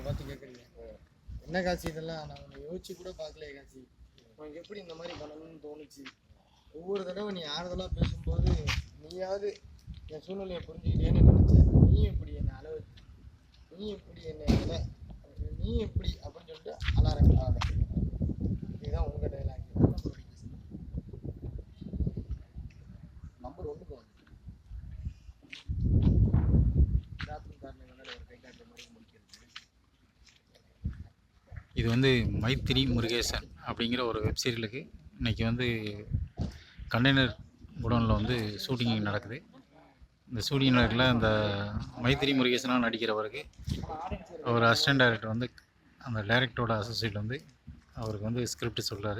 பார்த்து கேட்குறீங்க. என்ன காசி இதெல்லாம்? நான் உன்னை யோசிச்சு கூட பார்க்கலையே காசி. உனக்கு எப்படி இந்த மாதிரி பண்ணணும்னு தோணுச்சு? ஒவ்வொரு தடவை நீ ஆறுதலாக பேசும்போது நீயாவது என் சூழ்நிலையை புரிஞ்சுக்கிட்டேன்னு நினச்சேன். நீ எப்படி என்னை அளவு, நீ எப்படி என்னை அலை, நீ எப்படி அப்படின்னு சொல்லிட்டு அலாரம். இதுதான் உங்கள் டைலாக். நம்பர் 1 வந்து இது வந்து மைத்திரி முருகேசன் அப்படிங்கிற ஒரு வெப்சீரியலுக்கு இன்றைக்கி வந்து கண்டெய்னர் குடோனில் வந்து ஷூட்டிங் நடக்குது. இந்த ஷூட்டிங் நடக்கல இந்த மைத்திரி முருகேசனாக நடிக்கிறவருக்கு அவர் அசிஸ்டன்ட் டைரக்டர் வந்து அந்த டைரக்டரோட அசோசியேட் வந்து அவருக்கு வந்து ஸ்கிரிப்ட் சொல்கிறாரு.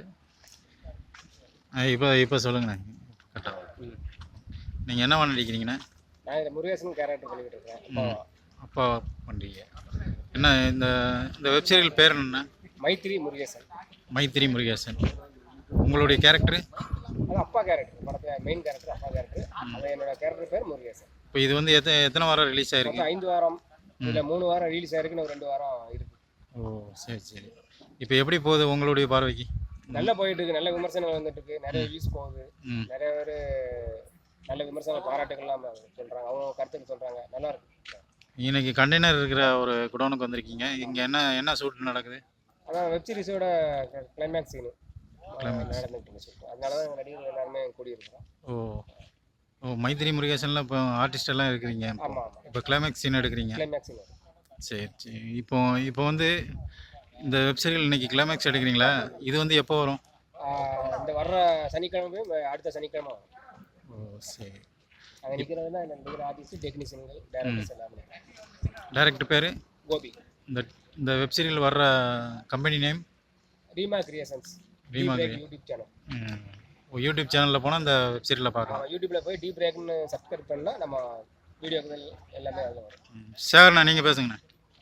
இப்போ சொல்லுங்கண்ணே, கரெக்டாக நீங்கள் என்னவா நடிக்கிறீங்கண்ணே? நான் இந்த முருகேசன் கேரக்டர் பண்ணிக்கிட்டு இருக்கேன். அப்பா பண்ணுறீங்க. என்ன இந்த இந்த வெப்சீரியல் பேர் என்ன? மைத்திரி முருகேசன். மைத்திரி முருகேசன். உங்களுடைய கேரக்டர்? அது அப்பா கேரக்டர். படத்தில் மெயின் கேரக்டர் அப்பா கேரக்டர். அது என்னோட கேரக்டர் பேர் முருகேசன். இப்போ இது வந்து எத்தனை வாரம் ரிலீஸ் ஆயிருக்கு? 5 வாரம் இல்லை 3 வாரம் ரிலீஸ் ஆயிருக்கு. 2 வாரம் இருக்கு. ஓ சரி சரி. இப்போ எப்படி போகுது உங்களுடைய பார்வைக்கு? நல்லா போயிட்டு இருக்கு. நல்ல விமர்சனங்கள் வந்துட்டு இருக்கு. நிறைய வியூஸ் போகுது. நிறைய பேர் நல்ல விமர்சன பாராட்டுகள்லாம் சொல்கிறாங்க. அவங்க கருத்துக்கு சொல்கிறாங்க. நல்லா இருக்கு. இன்னைக்கு கண்டெய்னர் இருக்கிற ஒரு குடோனுக்கு வந்திருக்கீங்க. இங்கே என்ன ஷூட் நடக்குது? அதான் வெப் சீரிஸோட கிளைமேக்ஸ் சீனு நடந்துட்டு. அதனால தான் நடிகர்கள் எல்லாருமே கூடியிருக்கிறோம். ஓ மைத்திரி முருகேசனில் இப்போ ஆர்டிஸ்ட் எல்லாம் இருக்கிறீங்க. ஆமாம். இப்போ கிளைமேக்ஸ் சீன் எடுக்கிறீங்க. Climax scene. சரி சரி. இப்போ வந்து இந்த வெப் சீரியல் இன்னைக்கு கிளைமேக்ஸ் எடுக்கிறீங்களா? இது வந்து எப்போ வரும்? இந்த வர்ற சனிக்கிழமை, அடுத்த சனிக்கிழமை வரும். ஓ சரி. அங்கே நிற்கிறது தான் நடிகர், ஆர்டிஸ்ட், டெக்னீஷியன்கள், டைரக்டர்ஸ் எல்லாமே. டைரக்டர் பேர்? கோபி. இந்த வெப் சீரியல் வர்ற company name? Reema creations. YouTube channel. YouTube சேனலில் போனால் இந்த வெப் சீரியலை பார்க்கலாம். யூடியூப்பில் போய் டீப் பிரேக்னு சப்ஸ்கிரைப் பண்ணால் நம்ம வீடியோக்கள் எல்லாமே அதில் வரும். சேகர்ண்ணா நீங்கள் பேசுங்கண்ணா.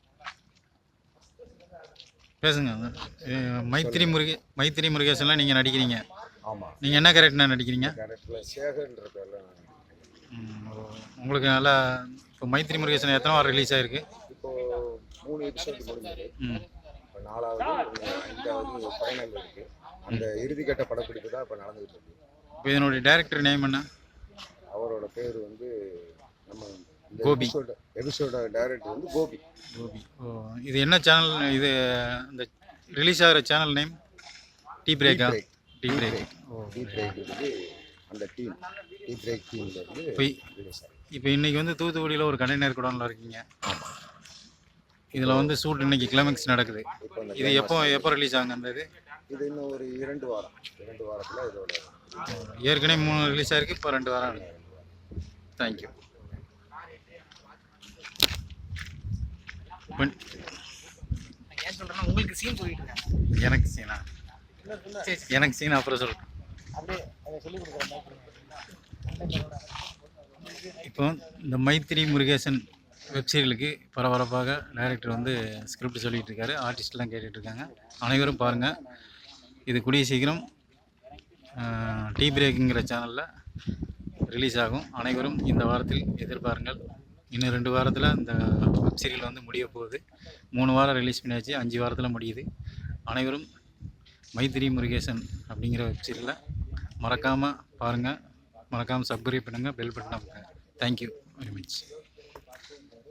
பேசுங்க. மைத்திரி முருகேசன்லாம் நீங்கள் நடிக்கிறீங்க. ஆமாம். நீங்கள் என்ன கேரக்டர்னா நடிக்கிறீங்க? கேரக்டரில் சேகர்ன்ற பேரில். உங்களுக்கு நல்லா இப்போ மைத்திரி முருகேசன் எத்தனை வாரம் ரிலீஸ் ஆகிருக்கு? இப்போது 3 எபிசோடு முடிஞ்சது. இப்போ 4வது 5வது ஃபைனல் இருக்குது. அந்த இறுதிக்கட்ட படப்பிடிப்பு தான் இப்போ நடந்துகிட்டு இருக்கு. இப்போ இதனுடைய டைரக்டர் நேம் என்ன? அவரோட பேர் வந்து நம்ம கோபி. எபிசோட டைரக்டர் வந்து கோபி. இது என்ன சேனல்? இது இந்த ரிலீஸ் ஆகிற சேனல் நேம் டீ பிரேக்கா? Tea break. டீ பிரேக் வந்து அந்த டீம் டீ பிரேக் டீம்ல இருந்து. இப்போ இன்னைக்கு வந்து தூத்துக்குடியில் ஒரு கண்டெய்னர் குடோனில் இருக்கீங்க. இதில் வந்து ஷூட் இன்னைக்கு கிளைமேக்ஸ் நடக்குது. இது எப்போ ரிலீஸ் ஆகுங்க? அந்த இது இன்னும் ஒரு 2 வாரத்தில் இதோட ஏற்கனவே 3 ரிலீஸ் ஆகிருக்கு. இப்போ 2 வாரம். தேங்க்யூ. ஏன் சொல்கிறேன்னா உங்களுக்கு சீன் சொல்லிட்டு இருக்கேன். எனக்கு சீனா? எனக்கு சீனா அப்புறம் சொல்கிறேன். அப்படியே அதை சொல்லிக் கொடுக்குறேன். இப்போ இந்த மைத்திரி முருகேசன் வெப் சீரியலுக்கு பரபரப்பாக டைரக்டர் வந்து ஸ்கிரிப்ட் சொல்லிகிட்டு இருக்காரு. ஆர்டிஸ்ட்லாம் கேட்டுட்ருக்காங்க. அனைவரும் பாருங்கள். இது கூடிய சீக்கிரம் டீ பிரேக்குங்கிற சேனலில் ரிலீஸ் ஆகும். அனைவரும் இந்த வாரத்தில் எதிர்பாருங்கள். இன்னும் 2 வாரத்தில் இந்த வெப் சீரியல் வந்து முடிய போகுது. 3 வாரம் ரிலீஸ் பண்ணியாச்சு. 5 வாரத்தில் முடியுது. அனைவரும் மைத்திரி முருகேசன் அப்படிங்கிற வெப் சீரியலை மறக்காமல் பாருங்கள். மறக்காமல் சப்ஸ்கிரைப் பண்ணுங்கள். பெல் பட்டன் அமுக்குங்க. Thank you very much.